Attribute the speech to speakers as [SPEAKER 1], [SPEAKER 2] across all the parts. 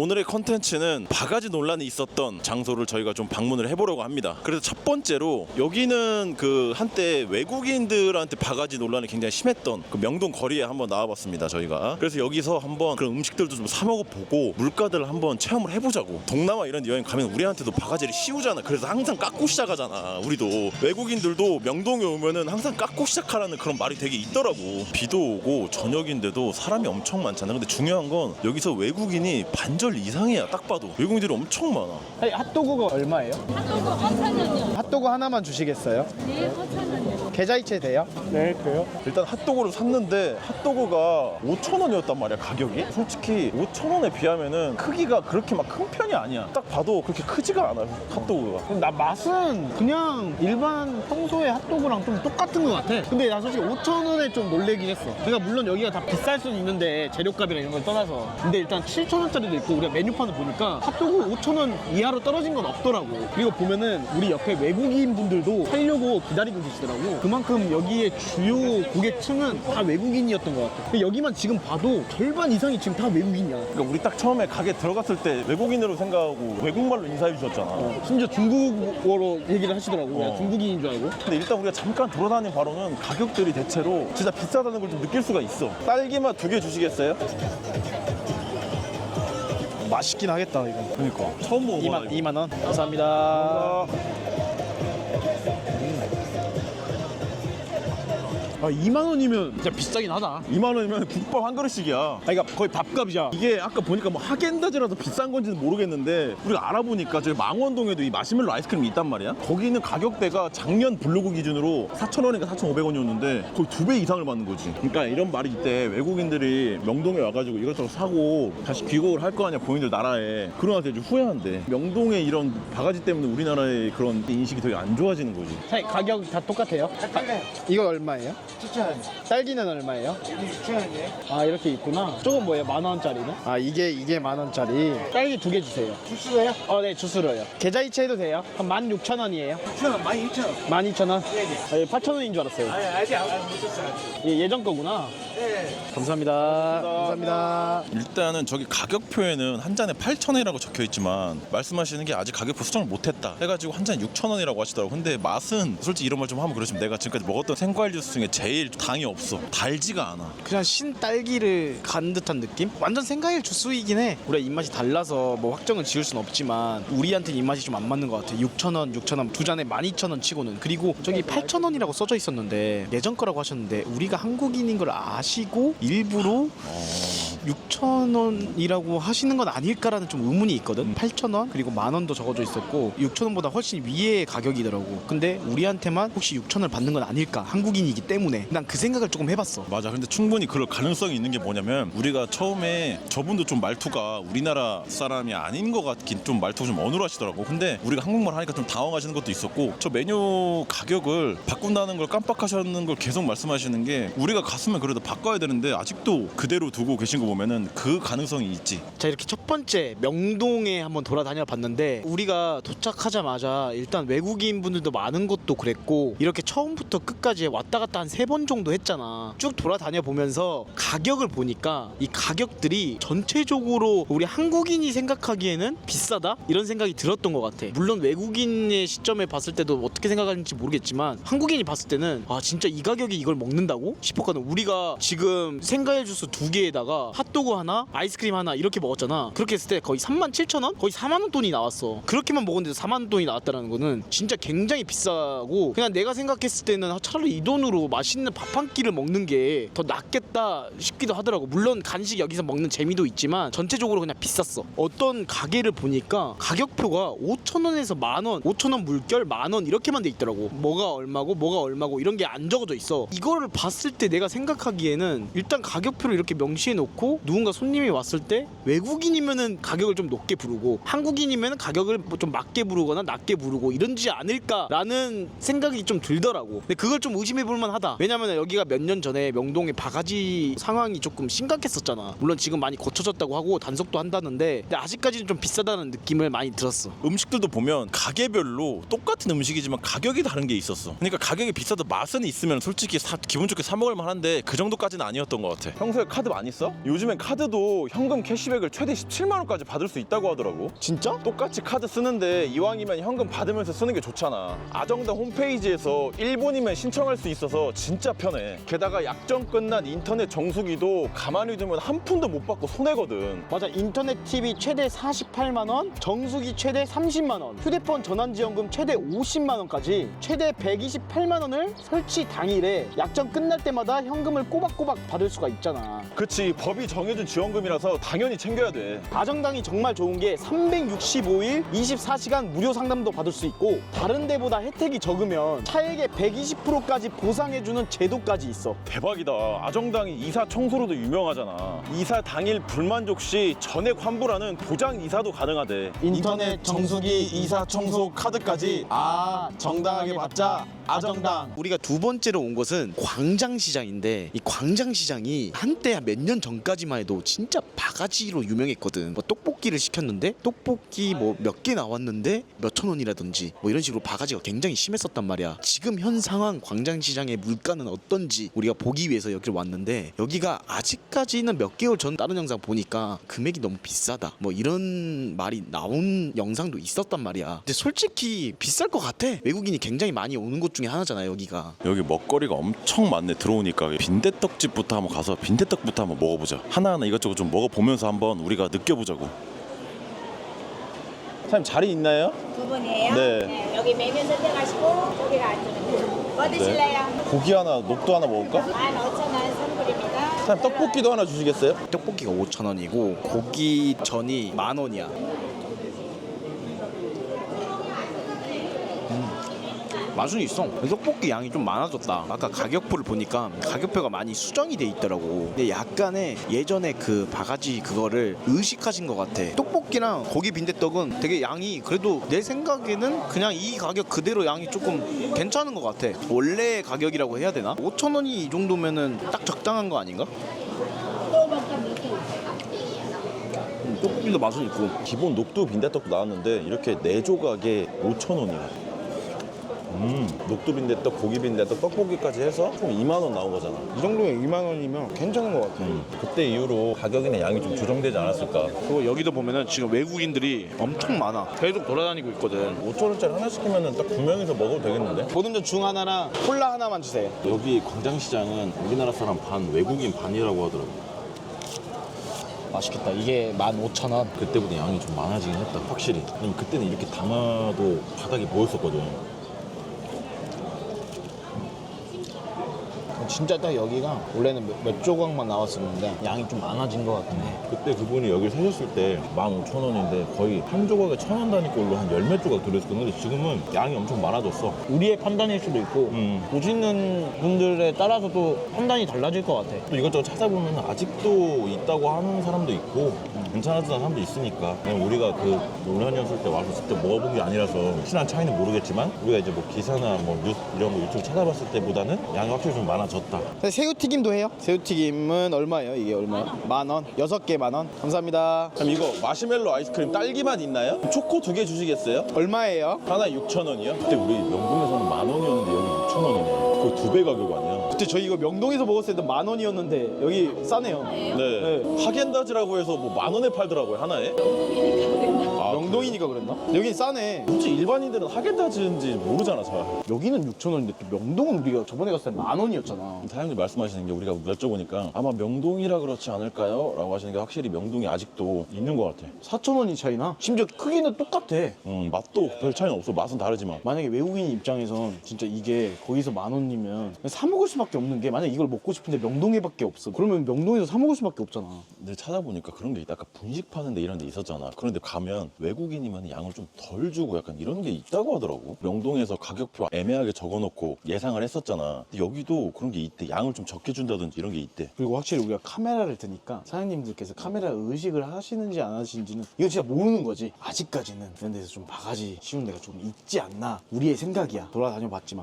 [SPEAKER 1] 오늘의 컨텐츠는 바가지 논란이 있었던 장소를 저희가 좀 방문을 해보려고 합니다. 그래서 첫 번째로 여기는 그 한때 외국인들한테 바가지 논란이 굉장히 심했던 그 명동 거리에 한번 나와봤습니다. 저희가 그래서 여기서 한번 그런 음식들도 좀 사 먹어보고 물가들을 한번 체험을 해보자고. 동남아 이런 여행 가면 우리한테도 바가지를 씌우잖아. 그래서 항상 깎고 시작하잖아. 우리도 외국인들도 명동에 오면은 항상 깎고 시작하라는 그런 말이 되게 있더라고. 비도 오고 저녁인데도 사람이 엄청 많잖아. 근데 중요한 건 여기서 외국인이 반절 이상이야. 딱 봐도 외국인들이 엄청 많아.
[SPEAKER 2] 아니, 핫도그가 얼마예요?
[SPEAKER 3] 핫도그 5,000원이요.
[SPEAKER 2] 핫도그 하나만 주시겠어요?
[SPEAKER 3] 네, 5,000원이요.
[SPEAKER 2] 계좌이체 돼요? 네, 그래요.
[SPEAKER 1] 일단 핫도그를 샀는데 핫도그가 5,000원이었단 말이야. 가격이 솔직히 5,000원에 비하면은 크기가 그렇게 막 큰 편이 아니야. 딱 봐도 그렇게 크지가 않아 핫도그가.
[SPEAKER 2] 나 맛은 그냥 일반 평소의 핫도그랑 좀 똑같은 것 같아. 근데 나 솔직히 5,000원에 좀 놀래긴 했어. 그러니까 물론 여기가 다 비쌀 수는 있는데 재료값이랑 이런 걸 떠나서. 근데 일단 7,000원짜리도 있고 우리가 메뉴판을 보니까 핫도그 5,000원 이하로 떨어진 건 없더라고. 그리고 보면은 우리 옆에 외국인 분들도 사려고 기다리고 계시더라고. 그만큼 여기에 주요 고객층은 다 외국인이었던 것 같아. 근데 여기만 지금 봐도 절반 이상이 지금 다 외국인이야.
[SPEAKER 1] 그러니까 우리 딱 처음에 가게 들어갔을 때 외국인으로 생각하고 외국말로 인사해 주셨잖아.
[SPEAKER 2] 심지어 중국어로 얘기를 하시더라고. 그냥 중국인인 줄 알고.
[SPEAKER 1] 근데 일단 우리가 잠깐 돌아다닌 바로는 가격들이 대체로 진짜 비싸다는 걸 좀 느낄 수가 있어. 딸기맛 2개 주시겠어요?
[SPEAKER 2] 맛있긴 하겠다 이거.
[SPEAKER 1] 그러니까 처음 먹어봐.
[SPEAKER 2] 2만 원. 감사합니다. 아, 2만 원이면 진짜 비싸긴 하다.
[SPEAKER 1] 2만 원이면 국밥 한 그릇씩이야.
[SPEAKER 2] 아, 그러니까 거의 밥값이야.
[SPEAKER 1] 이게 아까 보니까 뭐 하겐다즈라서 비싼 건지는 모르겠는데 우리가 알아보니까 저기 망원동에도 이 마시멜로 아이스크림이 있단 말이야. 거기는 가격대가 작년 블로그 기준으로 4,000원인가 4,500원이었는데 거의 2배 이상을 받는 거지. 그러니까 이런 말이 있대. 외국인들이 명동에 와가지고 이것저것 사고 다시 귀국을 할 거 아니야, 본인들 나라에. 그러나 되게 후회한대. 명동의 이런 바가지 때문에 우리나라의 그런 인식이 되게 안 좋아지는 거지.
[SPEAKER 2] 사장님, 가격 다 똑같아요? 이거 얼마예요?
[SPEAKER 4] 7,000원.
[SPEAKER 2] 딸기는 얼마예요?
[SPEAKER 4] 6,000원이에요.
[SPEAKER 2] 아, 이렇게 있구나. 조금 뭐예요? 10,000원짜리는? 아, 이게 10,000원짜리. 딸기 2개 주세요.
[SPEAKER 4] 주스로요?
[SPEAKER 2] 네, 주스로요. 계좌이체 해도 돼요? 한 16,000원이에요.
[SPEAKER 4] 6,000원, 12,000원.
[SPEAKER 2] 12,000원?
[SPEAKER 4] 네네.
[SPEAKER 2] 8,000원인 줄 알았어요.
[SPEAKER 4] 아직 안 못했어요.
[SPEAKER 2] 예전 거구나.
[SPEAKER 4] 네.
[SPEAKER 2] 감사합니다. 감사합니다.
[SPEAKER 1] 일단은 저기 가격표에는 한 잔에 8,000원이라고 적혀 있지만 말씀하시는 게 아직 가격표 수정을 못했다 해가지고 한 잔에 6,000원이라고 하시더라고. 근데 맛은 솔직히 이런 말 좀 하면 그렇지만 내가 지금까지 먹었던 생과일 주스 중에 제일 당이 없어. 달지가 않아.
[SPEAKER 2] 그냥 신 딸기를 간 듯한 느낌? 완전 생과일 주스이긴 해. 우리가 입맛이 달라서 뭐 확정은 지을 순 없지만 우리한테는 입맛이 좀 안 맞는 것 같아. 6,000원 두 잔에 12,000원 치고는. 그리고 저기 8,000원이라고 써져 있었는데 예전 거라고 하셨는데 우리가 한국인인 걸 아시고 일부러 6,000원이라고 하시는 건 아닐까라는 좀 의문이 있거든. 8,000원 그리고 10,000원도 적어져 있었고 6,000원보다 훨씬 위의 가격이더라고. 근데 우리한테만 혹시 6,000원을 받는 건 아닐까, 한국인이기 때문에. 난 그 생각을 조금 해봤어.
[SPEAKER 1] 맞아. 근데 충분히 그럴 가능성이 있는 게 뭐냐면 우리가 처음에 저분도 좀 말투가 우리나라 사람이 아닌 것 같긴, 좀 말투가 좀 어눌하시더라고. 근데 우리가 한국말 하니까 좀 당황하시는 것도 있었고, 저 메뉴 가격을 바꾼다는 걸 깜빡하셨는 걸 계속 말씀하시는 게 우리가 갔으면 그래도 바꿔야 되는데 아직도 그대로 두고 계신 거 보면은 그 가능성이 있지.
[SPEAKER 2] 자, 이렇게 첫 번째 명동에 한번 돌아다녀 봤는데 우리가 도착하자마자 일단 외국인 분들도 많은 것도 그랬고 이렇게 처음부터 끝까지 왔다 갔다 한 3번 정도 했잖아. 쭉 돌아다녀 보면서 가격을 보니까 이 가격들이 전체적으로 우리 한국인이 생각하기에는 비싸다? 이런 생각이 들었던 것 같아. 물론 외국인의 시점에 봤을 때도 어떻게 생각하는지 모르겠지만 한국인이 봤을 때는 아, 진짜 이 가격에 이걸 먹는다고? 싶었거든. 우리가 지금 생과일 주스 2개에다가 핫도그 하나, 아이스크림 하나 이렇게 먹었잖아. 그렇게 했을 때 거의 37,000원? 거의 4만원 돈이 나왔어. 그렇게만 먹었는데도 4만원 돈이 나왔다는 거는 진짜 굉장히 비싸고, 그냥 내가 생각했을 때는 차라리 이 돈으로 맛있는 밥 한 끼를 먹는 게 더 낫겠다 싶기도 하더라고. 물론 간식 여기서 먹는 재미도 있지만 전체적으로 그냥 비쌌어. 어떤 가게를 보니까 가격표가 5,000원에서 만원, 5,000원 물결, 만원 이렇게만 돼 있더라고. 뭐가 얼마고 이런 게 안 적어져 있어. 이거를 봤을 때 내가 생각하기에는 일단 가격표를 이렇게 명시해 놓고 누군가 손님이 왔을 때 외국인이면은 가격을 좀 높게 부르고 한국인이면은 가격을 뭐 좀 맞게 부르거나 낮게 부르고 이런지 않을까라는 생각이 좀 들더라고. 근데 그걸 좀 의심해 볼 만하다. 왜냐면 여기가 몇 년 전에 명동의 바가지 상황이 조금 심각했었잖아. 물론 지금 많이 고쳐졌다고 하고 단속도 한다는데 근데 아직까지는 좀 비싸다는 느낌을 많이 들었어.
[SPEAKER 1] 음식들도 보면 가게별로 똑같은 음식이지만 가격이 다른 게 있었어. 그러니까 가격이 비싸도 맛은 있으면 솔직히 기분 좋게 사 먹을 만한데 그 정도까지는 아니었던 것 같아. 평소에 카드 많이 써? 요즘 요즘엔 카드도 현금 캐시백을 최대 17만 원까지 받을 수 있다고 하더라고.
[SPEAKER 2] 진짜?
[SPEAKER 1] 똑같이 카드 쓰는데 이왕이면 현금 받으면서 쓰는 게 좋잖아. 아정당 홈페이지에서 일본이면 신청할 수 있어서 진짜 편해. 게다가 약정 끝난 인터넷 정수기도 가만히 두면 한 푼도 못 받고 손해거든.
[SPEAKER 2] 맞아. 인터넷 TV 최대 48만 원, 정수기 최대 30만 원, 휴대폰 전환지원금 최대 50만 원까지 최대 128만 원을 설치 당일에 약정 끝날 때마다 현금을 꼬박꼬박 받을 수가 있잖아.
[SPEAKER 1] 그치, 법이 정해준 지원금이라서 당연히 챙겨야 돼.
[SPEAKER 2] 아정당이 정말 좋은 게 365일 24시간 무료 상담도 받을 수 있고 다른 데보다 혜택이 적으면 차액의 120%까지 보상해주는 제도까지 있어.
[SPEAKER 1] 대박이다. 아정당이 이사 청소로도 유명하잖아. 이사 당일 불만족 시 전액 환불하는 보장 이사도 가능하대.
[SPEAKER 2] 인터넷 정수기 이사 청소 카드까지 정당하게 받자. 아정당. 우리가 두 번째로 온 곳은 광장시장인데 이 광장시장이 한때 몇 년 전까지만 해도 진짜 바가지로 유명했거든. 뭐 떡볶이를 시켰는데 떡볶이 뭐 몇 개 나왔는데 몇천 원이라든지 뭐 이런 식으로 바가지가 굉장히 심했었단 말이야. 지금 현 상황 광장시장의 물가는 어떤지 우리가 보기 위해서 여기를 왔는데 여기가 아직까지는 몇 개월 전 다른 영상 보니까 금액이 너무 비싸다 뭐 이런 말이 나온 영상도 있었단 말이야. 근데 솔직히 비쌀 것 같아. 외국인이 굉장히 많이 오는 곳 중에 하나잖아 여기가.
[SPEAKER 1] 여기 먹거리가 엄청 많네. 들어오니까 빈대떡집부터 한번 가서 빈대떡부터 한번 먹어보자. 하나하나 이것저것 좀 먹어보면서 한번 우리가 느껴보자고. 사장님 자리 있나요?
[SPEAKER 3] 두 분이에요?
[SPEAKER 1] 네.
[SPEAKER 3] 여기 메뉴 선택하시고 저기가 앉으면 돼요. 뭐 드실래요?
[SPEAKER 1] 고기 하나, 녹두 하나 먹을까?
[SPEAKER 3] 15,000원 선불입니다.
[SPEAKER 1] 사장님 떡볶이도 하나 주시겠어요?
[SPEAKER 2] 떡볶이가 5,000원이고 고기 전이 10,000원이야. 맛은 있어. 떡볶이 양이 좀 많아졌다. 아까 가격표를 보니까 가격표가 많이 수정이 돼 있더라고. 근데 약간의 예전에 그 바가지 그거를 의식하신 것 같아. 떡볶이랑 고기 빈대떡은 되게 양이 그래도 내 생각에는 그냥 이 가격 그대로 양이 조금 괜찮은 것 같아. 원래 가격이라고 해야 되나? 5,000원이 이 정도면은 딱 적당한 거 아닌가? 떡볶이도 맛은 있고.
[SPEAKER 1] 기본 녹두 빈대떡도 나왔는데 이렇게 4조각에 5,000원이야. 녹두 빈대떡, 고기 빈대떡, 떡볶이까지 해서 총 2만 원 나온 거잖아.
[SPEAKER 2] 이 정도에 2만 원이면 괜찮은 것 같아.
[SPEAKER 1] 그때 이후로 가격이나 양이 좀 조정되지 않았을까.
[SPEAKER 2] 그리고 여기도 보면은 지금 외국인들이 엄청 많아. 계속 돌아다니고 있거든.
[SPEAKER 1] 5,000원짜리 하나 시키면 딱 2명이서 먹어도 되겠는데?
[SPEAKER 2] 보듬전 중 하나랑 콜라 하나만 주세요.
[SPEAKER 1] 여기 광장시장은 우리나라 사람 반, 외국인 반이라고 하더라고.
[SPEAKER 2] 맛있겠다. 이게 15,000원.
[SPEAKER 1] 그때보다 양이 좀 많아지긴 했다, 확실히. 왜냐면 그때는 이렇게 담아도 바닥이 보였었거든.
[SPEAKER 2] 진짜 딱 여기가 원래는 몇 조각만 나왔었는데 양이 좀 많아진 것 같긴 해.
[SPEAKER 1] 그때 그분이 여기를 사셨을 때 15,000원인데 거의 한 조각에 1,000원 단위꼴로 한 열 몇 조각 들어있었거든. 근데 지금은 양이 엄청 많아졌어.
[SPEAKER 2] 우리의 판단일 수도 있고 보시는 분들에 따라서도 판단이 달라질 것 같아.
[SPEAKER 1] 또 이것저것 찾아보면 아직도 있다고 하는 사람도 있고 괜찮아지는 사람도 있으니까 그냥 우리가 그 노년이었을 때 와서 직접 먹어본 게 아니라서 확실한 차이는 모르겠지만 우리가 이제 뭐 기사나 뭐 뉴스 이런 거 유튜브 찾아봤을 때보다는 양이 확실히 좀 많아졌다.
[SPEAKER 2] 새우튀김도 해요? 새우튀김은 얼마예요? 이게 얼마예요? 10,000원. 6개 10,000원. 감사합니다.
[SPEAKER 1] 그럼 이거 마시멜로 아이스크림 딸기맛 있나요? 초코 2개 주시겠어요?
[SPEAKER 2] 얼마예요?
[SPEAKER 1] 하나 6,000원이요? 그때 우리 명동에서는 10,000원이었는데 여기 6,000원이네. 거의 2배 가격 아니야?
[SPEAKER 2] 그때 저희 이거 명동에서 먹었을 때도 10,000원이었는데 여기 싸네요.
[SPEAKER 1] 네. 하겐다즈라고 해서 뭐 10,000원에 팔더라고요, 하나에. 아,
[SPEAKER 2] 명동이니까 그랬나? 여긴 싸네.
[SPEAKER 1] 굳이 일반인들은 하겐다즈인지 모르잖아, 잘.
[SPEAKER 2] 여기는 6,000원인데 또 명동은 우리가 저번에 갔을 때 10,000원이었잖아.
[SPEAKER 1] 사장님 말씀하시는 게 우리가 여쭤보니까 아마 명동이라 그렇지 않을까요? 라고 하시는 게 확실히 명동이 아직도 있는 것 같아.
[SPEAKER 2] 4,000원이 차이나? 심지어 크기는 똑같아.
[SPEAKER 1] 맛도 별 차이는 없어. 맛은 다르지만.
[SPEAKER 2] 만약에 외국인 입장에선 진짜 이게 거기서 10,000원이면 사 먹을 수밖에 없는 게 만약에 이걸 먹고 싶은데 명동에밖에 없어. 그러면 명동에서 사 먹을 수밖에 없잖아.
[SPEAKER 1] 근데 찾아보니까 그런 게 있다. 아까 분식 파는 데 이런 데 있었잖아. 그런데 가면 외국인이면 양을 좀 덜 주고 약간 이런 게 있다고 하더라고. 명동에서 가격표 애매하게 적어놓고 예상을 했었잖아. 근데 여기도 그런 게 있대. 양을 좀 적게 준다든지 이런 게 있대.
[SPEAKER 2] 그리고 확실히 우리가 카메라를 드니까 사장님들께서 카메라 의식을 하시는지 안 하시는지는 이거 진짜 모르는 거지. 아직까지는 이런 데서 좀 바가지 씌운 데가 좀 있지 않나. 우리의 생각이야. 돌아다녀 봤지만 이 가격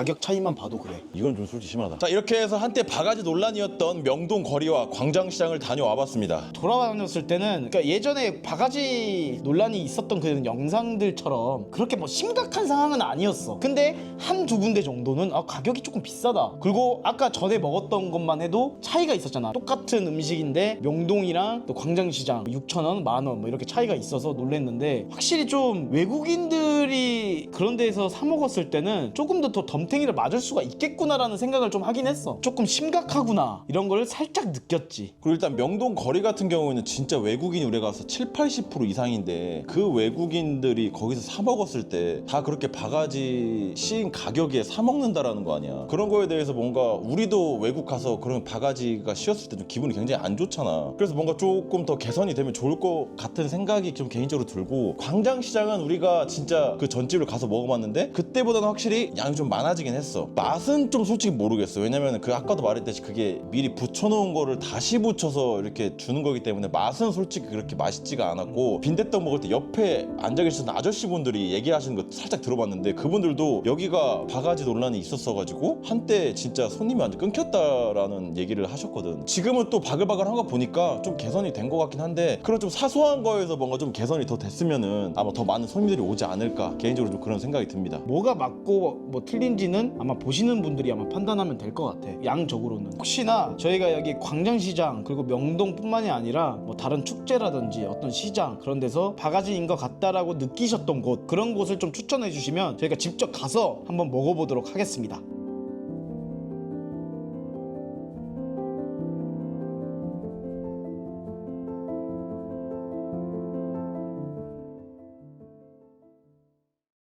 [SPEAKER 2] 가격 차이만 봐도 그래.
[SPEAKER 1] 이건 좀 솔직히 심하다. 자, 이렇게 해서 한때 바가지 논란이었던 명동 거리와 광장시장을 다녀와 봤습니다.
[SPEAKER 2] 돌아다녔을 때는 그러니까 예전에 바가지 논란이 있었던 그 영상들처럼 그렇게 뭐 심각한 상황은 아니었어. 근데 한두 군데 정도는 가격이 조금 비싸다. 그리고 아까 전에 먹었던 것만 해도 차이가 있었잖아. 똑같은 음식인데 명동이랑 또 광장시장 6,000원, 10,000원 뭐 이렇게 차이가 있어서 놀랬는데 확실히 좀 외국인들이 그런 데에서 사 먹었을 때는 조금 더 덤탱이를 맞을 수가 있겠구나라는 생각을 좀 하긴 했어. 조금 심각하구나 이런 걸 살짝 느꼈지.
[SPEAKER 1] 그리고 일단 명동 거리 같은 경우에는 진짜 외국인이 우리가 가서 70-80% 이상인데 그 외국인들이 거기서 사 먹었을 때 다 그렇게 바가지 씌인 가격에 사 먹는다라는 거 아니야. 그런 거에 대해서 뭔가 우리도 외국 가서 그런 바가지가 씌었을 때 좀 기분이 굉장히 안 좋잖아. 그래서 뭔가 조금 더 개선이 되면 좋을 것 같은 생각이 좀 개인적으로 들고, 광장시장은 우리가 진짜 그 전집을 가서 먹어봤는데 그때보다는 확실히 양이 좀 많아지긴 했어. 맛은 좀 솔직히 모르겠어. 왜냐면 그 아까도 말했듯이 그게 미리 붙여놓은 거를 다시 붙여서 이렇게 주는 거기 때문에 맛은 솔직히 그렇게 맛있지가 않았고, 빈대떡 먹을 때 옆에 앉아 계시던 아저씨분들이 얘기하시는 거 살짝 들어봤는데 그분들도 여기가 바가지 논란이 있었어가지고 한때 진짜 손님이 완전 끊겼다라는 얘기를 하셨거든. 지금은 또 바글바글한 거 보니까 좀 개선이 된 것 같긴 한데, 그런 좀 사소한 거에서 뭔가 좀 개선이 더 됐으면은 아마 더 많은 손님들이 오지 않을까, 개인적으로 좀 그런 생각이 듭니다.
[SPEAKER 2] 뭐가 맞고 뭐 틀린지는 아마 보시는 분들이 아마 판단하면 될 것 같아. 양적으로는. 혹시나 저희가 여기 광장시장 그리고 명동뿐만이 아니라 뭐 다른 축제라든지 어떤 시장 그런 데서 바가지인 것 같다라고 느끼셨던 곳, 그런 곳을 좀 추천해 주시면 저희가 직접 가서 한번 먹어보도록 하겠습니다.